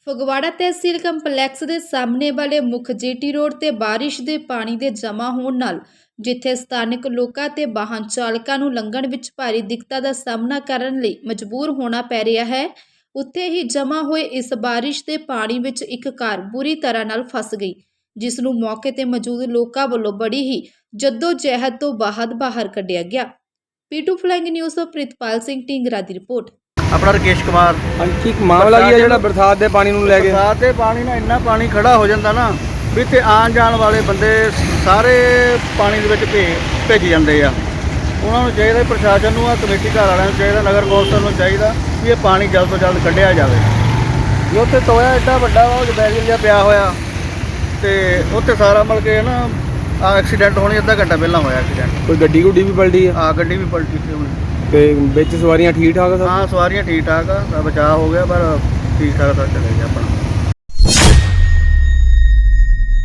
ਫਗਵਾੜਾ ਤਹਿਸੀਲ complex ਦੇ ਸਾਹਮਣੇ ਵਾਲੇ ਮੁੱਖ ਜੀਟੀ ਰੋਡ ਤੇ ਬਾਰਿਸ਼ ਦੇ ਪਾਣੀ ਦੇ ਜਮ੍ਹਾਂ ਹੋਣ ਨਾਲ ਜਿੱਥੇ ਸਥਾਨਕ ਲੋਕਾਂ ਤੇ ਵਾਹਨ ਚਾਲਕਾਂ ਨੂੰ ਲੰਘਣ ਵਿੱਚ ਭਾਰੀ ਦਿੱਕਤਾਂ ਦਾ ਸਾਹਮਣਾ ਕਰਨ ਲਈ ਮਜਬੂਰ ਹੋਣਾ ਪੈ ਰਿਹਾ ਹੈ, ਉੱਥੇ ਹੀ ਜਮ੍ਹਾਂ ਹੋਏ ਇਸ ਬਾਰਿਸ਼ ਦੇ ਪਾਣੀ ਵਿੱਚ ਇੱਕ ਕਾਰ ਬੁਰੀ ਤਰ੍ਹਾਂ ਨਾਲ ਫਸ ਗਈ, ਜਿਸ ਨੂੰ ਮੌਕੇ ਤੇ ਮੌਜੂਦ ਲੋਕਾਂ ਵੱਲੋਂ ਬੜੀ ਹੀ ਜਹਿਦ ਤੋਂ ਬਾਹਰ ਕੱਢਿਆ ਗਿਆ। ਪੀਟੂ ਫਲਾਈਂਗ ਨਿਊਜ਼ ਤੋਂ ਪ੍ਰਿਤਪਾਲ ਸਿੰਘ ਢੀਂਗਰਾ ਦੀ ਰਿਪੋर्ट। अपना राकेश कुमार। हाँ ठीक मामला की है जो बरसात के पानी लैके बरसात के पानी ना इन्ना पानी खड़ा हो जाता ना भी इत्थे आन जान वाले बंदे सारे पानी दे विच भेजी जाते हैं। उन्होंने चाहिए प्रशासन को, कमेटी घर वालों को चाहिए, नगर कौंसल को चाहिए भी ये पानी जल्द तो जल्द कढ़िया जाए। जो उत्थे टोया एड्डा वड्डा वा बैगल जिहा पिया होया ते उत्थे सारा मतलब के ना एक्सीडेंट होने अद्धा घंटा पहला होया एक्सीडेंट। कोई गड्डी गुड्डी भी पलटी है? हाँ गड्डी भी पलटी थी हुण। ते विच सवारियां ठीक ठाक है? हाँ सवारियां ठीक ठाक है, बचाव हो गया पर ठीक ठाक चले गया अपना।